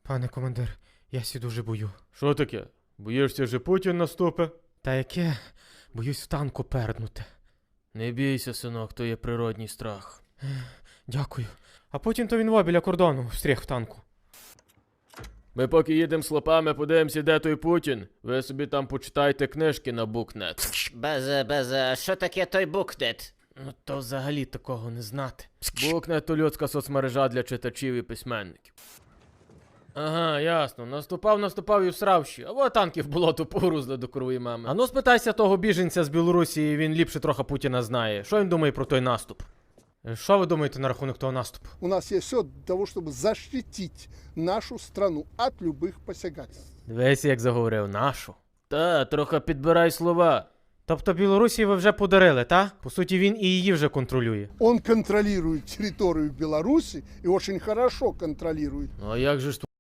Пане командир, я сі дуже бою. Що таке? Боїшся, що Путін наступить? Та яке? Боюсь в танку перднути. Не бійся, синок, то є природній страх. Дякую. А потім то він во біля кордону встріх в танку. Ми поки їдемо слопами, подивимося, де той Путін. Ви собі там почитайте книжки на букнет. Що таке той букнет? Ну то взагалі такого не знати. Букнет то людська соцмережа для читачів і письменників. Ага, ясно. Наступав і всрав ще. А во танки в болото погрузли до крової мами. А ну спитайся того біженця з Білорусі, він ліпше трохи Путіна знає. Що він думає про той наступ? Що ви думаєте на рахунок того наступу? У нас есть все для того, чтобы защитить нашу страну от любых посягательств. Дивись, як заговорив, нашу. Та, трохи підбирай слова. Тобто Білорусі ви вже подарили, та? По суті, він і її вже контролює. Он контролирует территорию Беларуси и очень хорошо контролирует. Ну а як же ж